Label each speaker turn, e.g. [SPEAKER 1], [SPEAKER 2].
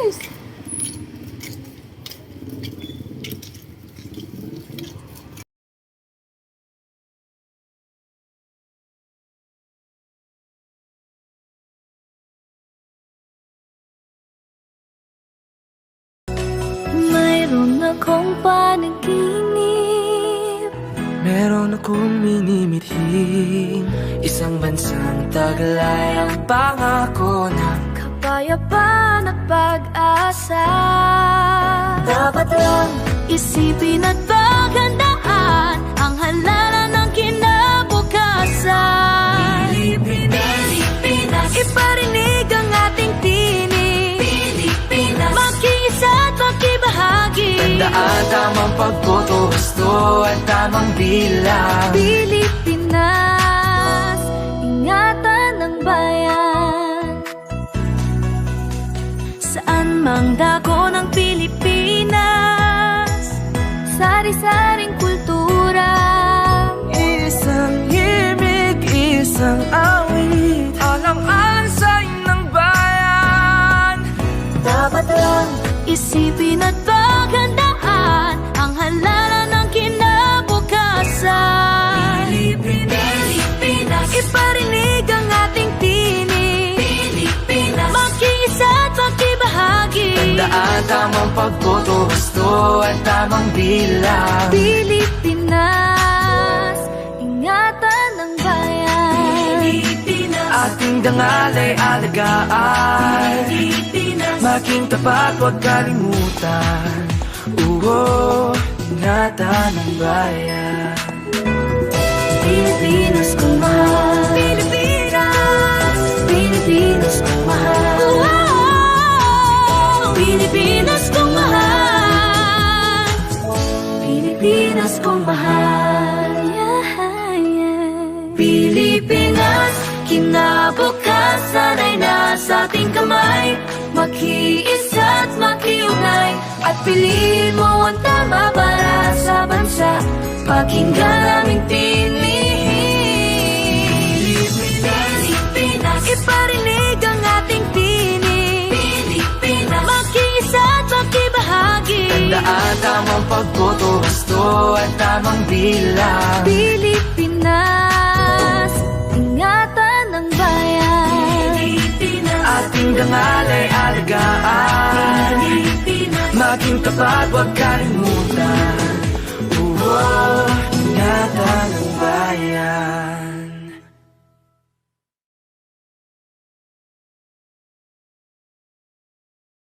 [SPEAKER 1] guys! Mayroon akong panaginip,
[SPEAKER 2] meron akong minimithing isang bansang taglay ang pangako ng
[SPEAKER 1] kapayapaan at pag-asa. Dapat lang isipin at paghandaan ang halalan ng kinabukasan. Pilipinas, iparinig ang ating tinig. Pilipinas, makiisa at makibahagi.
[SPEAKER 2] Tandaan tamang pagboto, gusto at tamang bilang.
[SPEAKER 1] Pilipinas, ingatan ng bayan. Saan mang dako ng Pilipinas, sari-saring kultura.
[SPEAKER 2] Isang himig, isang awit, alang-alang sa inang bayan.
[SPEAKER 1] Dapat lang isipin at paghandaan ang halalan ng kinabukasan. Pilipinas, iparinig ang ating tinig. Pilipinas, makiisa at makibahagi.
[SPEAKER 2] Tandaan tamang pagboto, gusto at tamang bilang.
[SPEAKER 1] Pilipinas, ingatan ng bayan. Pilipinas,
[SPEAKER 2] Ating dangal ay alagaan.
[SPEAKER 1] Pilipinas,
[SPEAKER 2] Maging tapat, huwag kalimutan. Oo, ingatan ng bayan.
[SPEAKER 1] Pilipinas kong mahal. Pilipinas, Pilipinas kong mahal. Wow! Pilipinas kong mahal. Pilipinas kong mahal. Yeah, yeah. Pilipinas, kinabukasan ay nasa ating kamay. Makiisa at makiugnay, at piliin mo ang tama para sa bansa. Pakinggan aming tinig. Pilipinas, iparinig ang ating tinig. Pilipinas, makiisa at makibahagi.
[SPEAKER 2] Tandaan tamang pagboto, gusto at tamang bilang.
[SPEAKER 1] Pilipinas, ingatan ng bayan.
[SPEAKER 2] Ating dangal ay alagaan. Maging tapat, huwag kalimutan. Oo, ingatan ng bayan.